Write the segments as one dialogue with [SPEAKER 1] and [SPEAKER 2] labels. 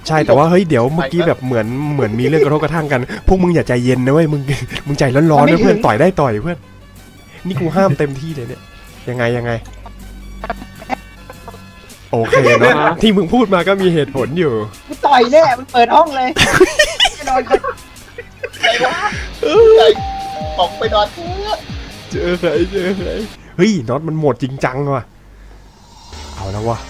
[SPEAKER 1] ใช่แต่ว่าเฮ้ยเดี๋ยวเมื่อกี้แบบเหมือนมีเรื่องกระทบกระทั่งกันพวกมึงอย่าใจเย็นนะเว้ยมึงใจร้อนๆนะเพื่อนต่อยได้ต่อยเพื่อนนี่กูห้ามเต็มที่เลยเนี่ยยังไงโอเคเนาะที่มึงพูดมาก็มีเหตุผลอยู่
[SPEAKER 2] กูต่อยแน่มันเปิดห้องเลยแน่นอนคน
[SPEAKER 3] ใจวะใจตกไปนอนเถอะ
[SPEAKER 1] เจอใครเฮ้ยน็อตมันโหมดจริงจังว่ะเอาแล้ววะ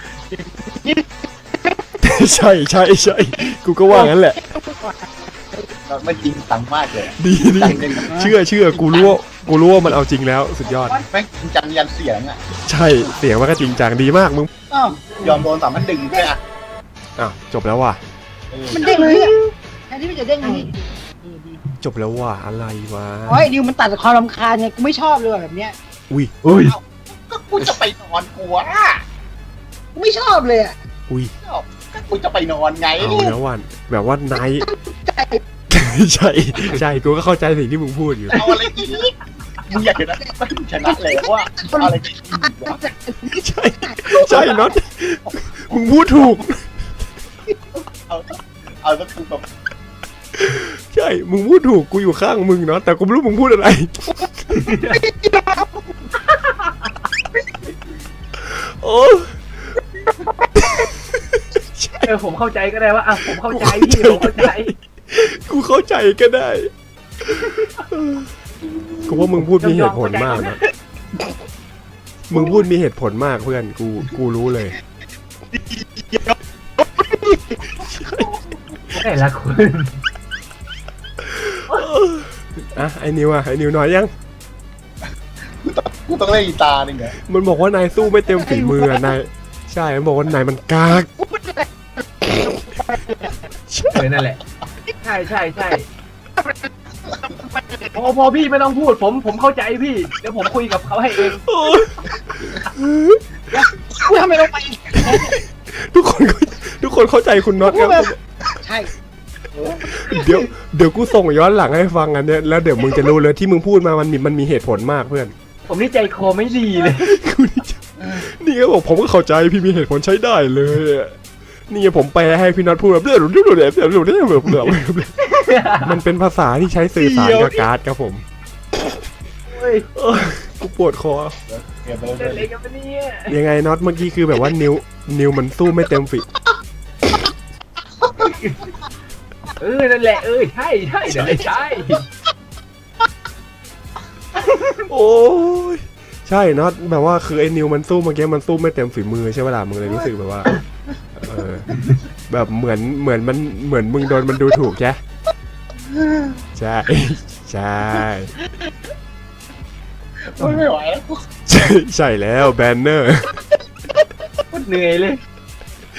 [SPEAKER 1] ใช่กูก็ว่างั้นแหละ
[SPEAKER 3] นอนไม่จริงจังมากเลย
[SPEAKER 1] ดีเชื่อกูรู้ว่ามันเอาจริงแล้วสุดยอด
[SPEAKER 3] แม่งจริงจังยันเสียงอ่ะ
[SPEAKER 1] ใช่เสียงมันก็จริงจังดีมากมึง
[SPEAKER 2] อ้าวย
[SPEAKER 3] อมโดน3,100ด้วยอ่ะ
[SPEAKER 1] อ้าวจบแล้วว่ะ
[SPEAKER 2] มันเด้งเลยอ่ะแทนที่มันจะเด้งนี่
[SPEAKER 1] จบแล้วว่ะอะไรวะ
[SPEAKER 2] โอ้ยดิวมันตัดความรำคาญไงกูไม่ชอบเลยแบบเนี้ย
[SPEAKER 1] อุ้ย
[SPEAKER 3] ก็กูจะไปนอนกลัว
[SPEAKER 2] กูไม่ชอบเลยอ่ะ
[SPEAKER 1] อุ้ย
[SPEAKER 3] ก็กูจะไปนอนไง
[SPEAKER 1] เอาแล้ววันแบบว่านาย
[SPEAKER 2] ใจ
[SPEAKER 1] ใช่กูก็เข้าใจสิ่งที่มึงพูดอยู่
[SPEAKER 3] เอาอะไรอีกมึงอยากเห็นนะมันชนะเลยว่าเอาอะไรอีกวะ
[SPEAKER 1] ใช่น็อตมึงพูดถูก
[SPEAKER 3] เอาสักทีแบบ
[SPEAKER 1] ใช่มึงพูดถูกกูอยู่ข้างมึงเนาะแต่กูไม่รู้มึงพูดอะไร โอ้
[SPEAKER 4] ผมเข้าใจก็ได้ว่าผมเข้าใจพี่ผมเข้าใจ
[SPEAKER 1] กูเข้าใจก็ได้กูว่ามึงพูดมีเหตุผลมากนะมึงพูดมีเหตุผลมากเพื่อนกูรู้เลย
[SPEAKER 4] แต่ละคน
[SPEAKER 1] อ่ะไอ้นิวหน่อยยัง
[SPEAKER 3] กูต้องเล่นกีตาร์นึงเหรอ
[SPEAKER 1] มันบอกว่านายสู้ไม่เต็มฝีมืออะนายใช่มันบอกว่านายมันกาก
[SPEAKER 4] นั่นแหละใช่พอพี่ไม่ต้องพูดผมเข้าใจพี่เดี๋ยวผมคุยกับเขาให้เอง
[SPEAKER 2] กูทำไมลงไป
[SPEAKER 1] ทุกคนเข้าใจคุณน็อตครับ
[SPEAKER 2] ใช่
[SPEAKER 1] เดี๋ยวกูส่งย้อนหลังให้ฟังอันเนี้ยแล้วเดี๋ยวมึงจะรู้เลยที่มึงพูดมามันมีเหตุผลมากเพื่อน
[SPEAKER 4] ผมนี่ใจคอไม่ดีเลย
[SPEAKER 1] นี่ก็บอกผมก็เข้าใจพี่มีเหตุผลใช้ได้เลยอะนี่ผมแปลให้พี่น็อตพูดแบบมันเป็นภาษาที่ใช้สื่อสารกับการ์ดครับผม
[SPEAKER 4] เฮ้ย
[SPEAKER 1] กูปวดคอ
[SPEAKER 3] เก็บไป
[SPEAKER 4] เล่น
[SPEAKER 3] เล
[SPEAKER 4] อะไร
[SPEAKER 3] ย
[SPEAKER 4] กันปะเนี่ย
[SPEAKER 1] ยังไงน็อตเมื่อกี้คือแบบว่านิวมันสู้ไม่เต็มฝี
[SPEAKER 4] นั่นแหละใช่นั่นแหละใช่
[SPEAKER 1] โอ้ยใช่น็อตแบบว่าคือไอ้นิวมันสู้เมื่อกี้มันสู้ไม่เต็มฝีมือใช่ไหมล่ะมึงเลยรู้สึกแบบว่าแบบเหมือนมึงโดนมันดูถูกใช่ใช่
[SPEAKER 3] ไม่ไหวแล้ว
[SPEAKER 1] ใช่แล้วแบนเนอร์
[SPEAKER 4] เหนื่อยเลย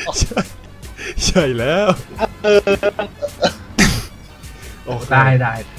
[SPEAKER 1] ใช่แล้วโอเค
[SPEAKER 4] ได้